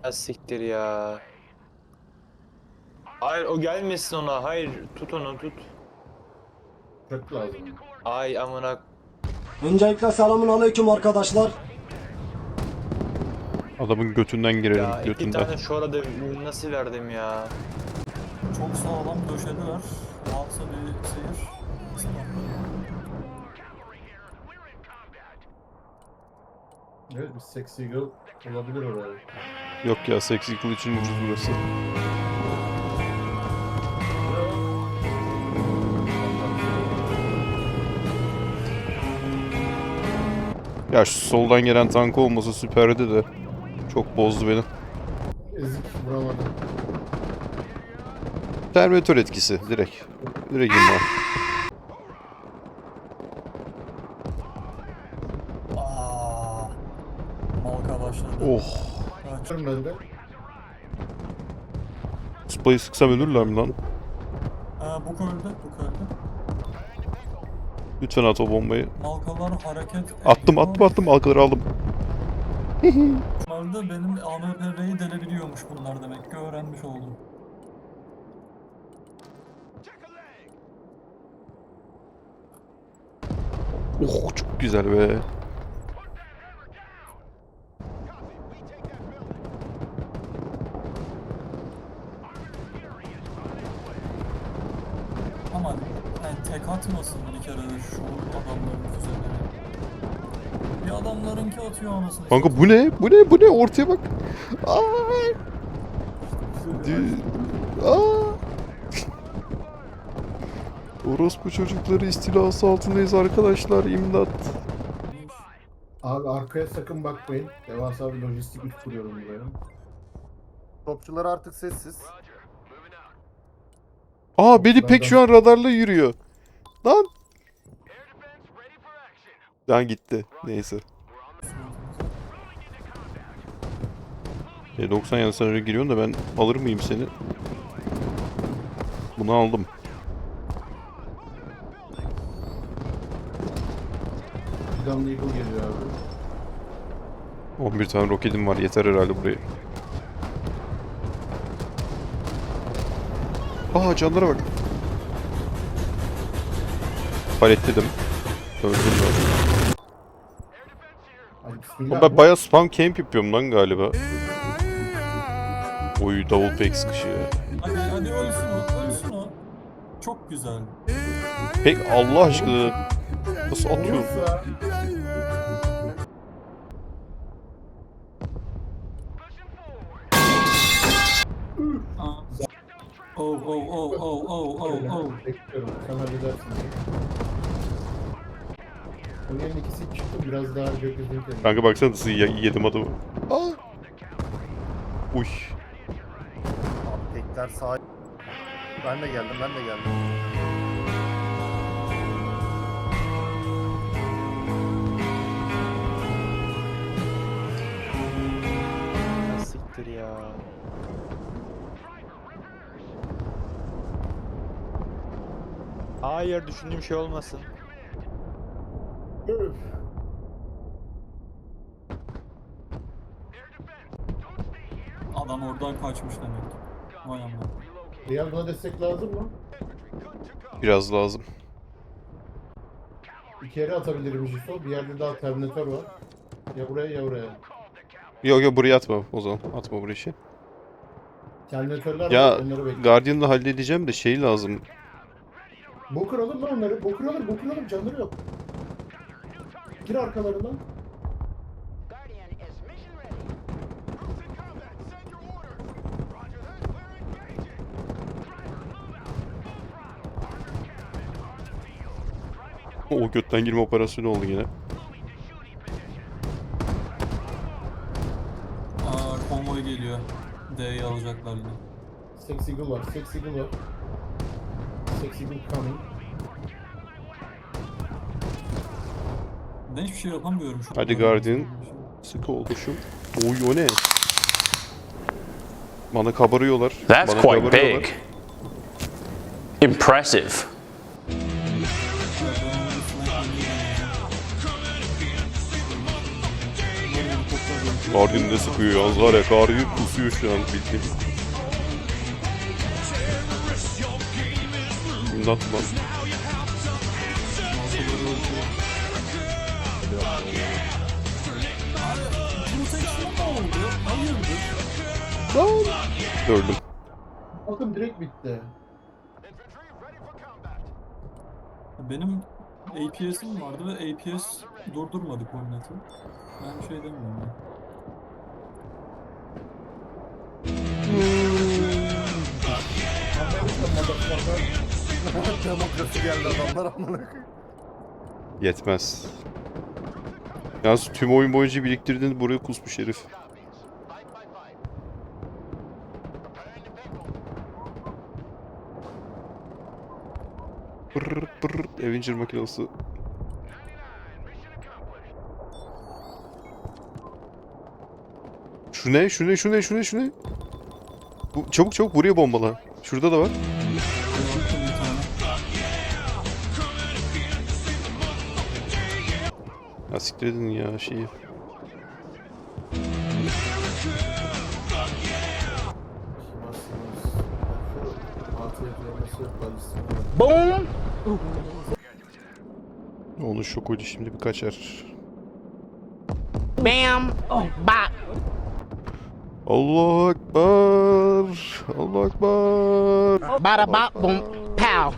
Siktir ya. Hayır o gelmesin ona. Hayır tut onu tut. Çok lazım. Ay amına. Öncelikle selamun aleyküm arkadaşlar. Adamın götünden girelim, Ya iki götünden. tane şu arada nasıl verdim ya. Çok sağlam döşediler. Rahatsa bir seyir. Evet, bir Sexy Girl olabilir oraya. Yok ya, Sexy Girl için ucuz burası. Ya şu soldan gelen tank olmasa süperdi de. Çok bozdu beni. Ezik vuramadım. Terminator etkisi direkt. Direkt imha. Aaa. Malka başladı. Oh. Kaç. Ben de. Spayı sıksam ölürler mi lan? Bu öldü. Bu öldü. Lütfen at o bombayı. Malkalar hareket Attım. Halkaları aldım. Normalde benim AMP'yi delebiliyormuş bunlar demek ki öğrenmiş oldum. Oh çok güzel be. Ama yani tek atmasın bir kere de şu adamların füzeleri. Bir adamlarınki atıyor anasını. Kanka bu ne? Bu ne? Ortaya bak. Ay. Aa. Orospu çocukları istilası altındayız arkadaşlar. İmdat. Abi arkaya sakın bakmayın. Devasa bir lojistik üs kuruyorum buraya. Topçular artık sessiz. Aa beni pek şu an radarla yürüyor. Lan. Lan gitti. Neyse. 90 yanı sen öyle giriyorsun da ben alır mıyım seni? Bunu aldım. Gun Eagle geliyor abi. 11 tane roketim var. Yeter herhalde buraya. Aa canlara bak. Paletledim. Öldüm ben. Hadi Ama bismillah. ben bayağı spam camp yapıyorum lan galiba. Oy double pek sıkışıyor. Hadi ölsün o, ölsün o. Çok güzel. Pek Allah aşkına nasıl atıyorsun? Olursa Aa. Oh. bekliyorum. Sen halledersin. Bunların ikisi çıktı. Biraz daha gökyüzünü temizledim. Kanka baksana nasıl yedim adamı. Aa. Uy. Abi tekler sağ. Ben de geldim. Siktir ya. Hayır düşündüğüm şey olmasın. Öf. Adam oradan kaçmış demek ki. Vay amma. Real buna destek lazım mı? Biraz lazım. İki yere atabilirim Jiso. Bir yerde daha Terminator var. Ya buraya ya oraya. Yok buraya atma o zaman. Atma buraya şey. Terminatörler Ya var. Onları bekliyorum. Guardian'la halledeceğim de şey lazım. Bokur alır lan onları. Bokur alır. Canları yok. Gir arkalarından. Guardian is mission ready. Troops in combat. Send your orders. Roger that. Clear engaging. Driver, move out. Full throttle. Armored cannon on the field. Driving to O götten girme operasyonu oldu yine. moving to shooting position. Konvoy geliyor. D'yi alacaklar yine. Sexy Eagle var. Sexy Eagle coming. Ben hiçbir şey yapamıyorum şu an. Hadi Guardian. Sıkı ol kuşum. Oy o ne? Bana kabarıyorlar. That's Bana quite kabarıyorlar. big. Impressive. Guardian ne sıkıyor yalnız var ya, Guardian kusuyor şu an bildiğin. İmdat lan. Protection ne oldu? Hayırdır? Öldüm. Bakın direkt bitti. Infantry ready for combat. Benim APS'im vardı ve APS durdurmadı Cornet'i. Ben bir şey demiyorum ya. Demokrasi geldi adamlar amına koyayım. Yetmez. Yalnız tüm oyun boyunca biriktirdiğini buraya kusmuş herif. Fight, fight, fight. Preparing to pickle. Pırr pırr Avenger makinası. Mission accomplished. Şu ne? Şu ne? Şu ne? Şu ne? Şu ne? Bu, çabuk çabuk buraya bombala. Şurada da var. Yaptım bir tane. Ya siktir edin ya şeyi. Onun şokuydu, şimdi bir kaçar. Bam! Bop! Allahu Ekber. Allahu Ekber. Bada bop boom pow!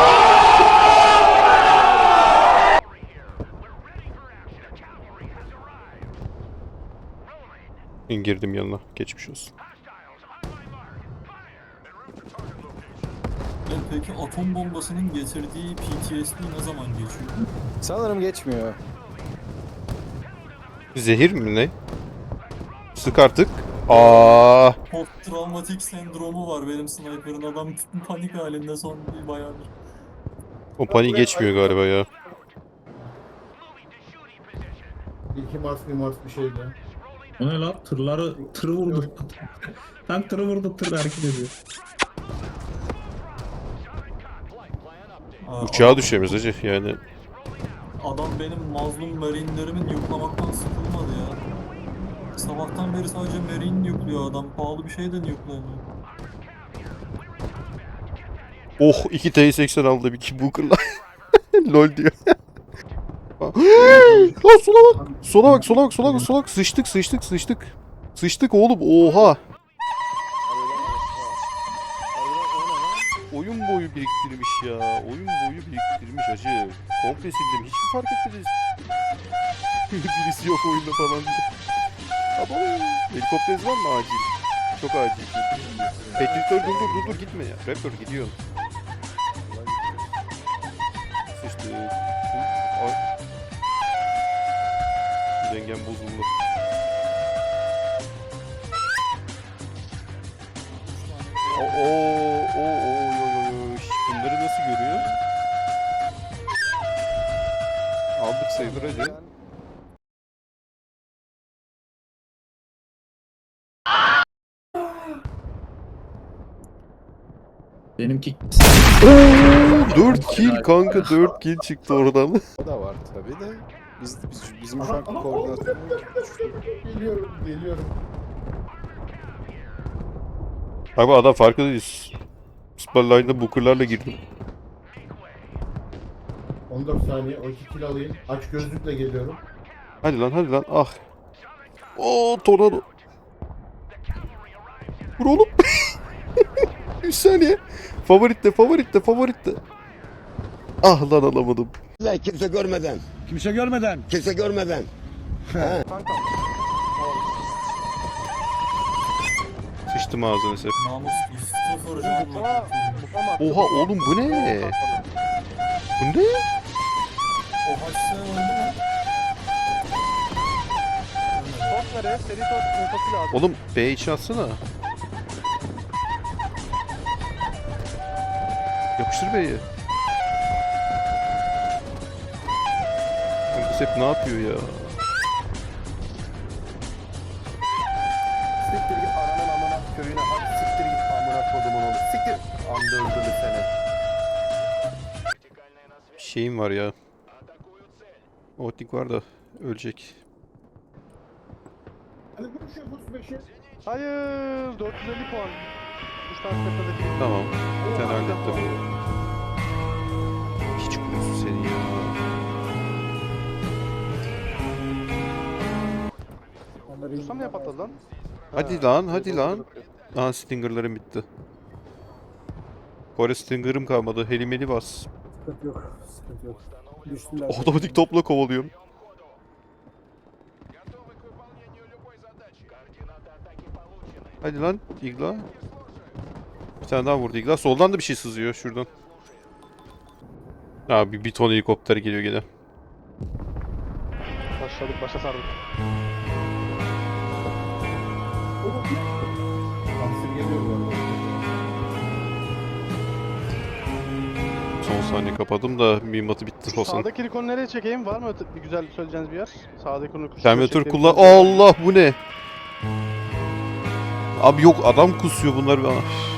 Girdim yanına. Geçmiş olsun. Peki atom bombasının getirdiği PTSD ne zaman geçiyor? Sanırım geçmiyor. Zehir mi ne? Sık artık. Aa, Post travmatik sendromu var benim sniper'ın, adam panik halinde son bir bayağıdır. o paniği geçmiyor galiba ya. İlki Mars bir şeydi. O ne lan? Tırı vurdu. Tank tırı vurdu, tır hareket ediyor. Uçağa düşemiyoruz hacı yani. Adam benim mazlum marinelerimin yuklamaktan sıkılmadı ya. Sabahtan beri sadece marine yukluyor adam. Pahalı bir şey de yuklayamıyor. Oh, 2 T80 aldı bir ki Booker'la. Lol diyor. Lan sola bak. Sola bak, sola bak, sola bak, sola bak. Sıçtık, sıçtık, sıçtık. Sıçtık oğlum, oha. Oyun boyu biriktirmiş ya. Oyun boyu biriktirmiş hacı. Komple sildim. Hiç mi fark etmediniz? Birisi yok oyunda falan diye. Abo. Helikopteriniz var mı acil? Çok acil. Petritör dur gitme ya. Raptor gidiyor. Sıçtık. Ay. Dengem bozuldu. Bunları nasıl görüyor? Aldık sayılır hadi. Benimki 4 kill kanka, 4 kill çıktı oradan. O da var tabii de. Bizim şu anki koordinasyonumuz Geliyorum. Abi adam farkındayız. Superline'da Booker'larla girdim. 14 saniye. O 2 kill alayım. Aç gözlükle geliyorum. Hadi lan ah. Oo, tornado. Vur oğlum. 3 saniye. Favoritte. Ah lan, alamadım. Kimse görmeden. kimse görmeden. Kimse görmeden. Sıçtım ağzını sep. Namus sıfır canla. Oha oğlum, bu ne? Bu ne? O haçsa öldü mü? Oğlum B içi atsana. Yapıştır B'yi. Bu sep ne yapıyor ya? Siktir git ananın amına köyüne. Hadi siktir git amına kodumun oğlu. Siktir. Anda öldürdü seni. Bir şeyim var ya. Otnik var da ölecek. Ali vur şu 35'i. Hayır 450 puan. Üç tane tepedeki. Tamam. Sen hallettim. Hiç kurusu senin ya. Dursam ne patladı lan? Hadi lan, hadi lan. Aha Stinger'larım bitti. Kore Stinger'ım kalmadı. Helimeli bas. Sıkıntı yok. Sıkıntı yok. Düştüler. Otomatik topla kovalıyorum. Готовы к выполнению любой задачи. Координаты атаки получены. Hadi lan Igla. Bir tane daha vurdu Igla. Soldan da bir şey sızıyor şuradan. Abi bir ton helikopter geliyor gene. Başladık başa sardık. Hamsi geliyor bu arada. Son saniye kapadım da mühimmatı bitti olsun. Sağdaki Rikon'u nereye çekeyim? Var mı bir güzel söyleyeceğiniz bir yer? Sağdaki onu Terminator kullan. Allah bu ne? Abi yok adam kusuyor bunlar.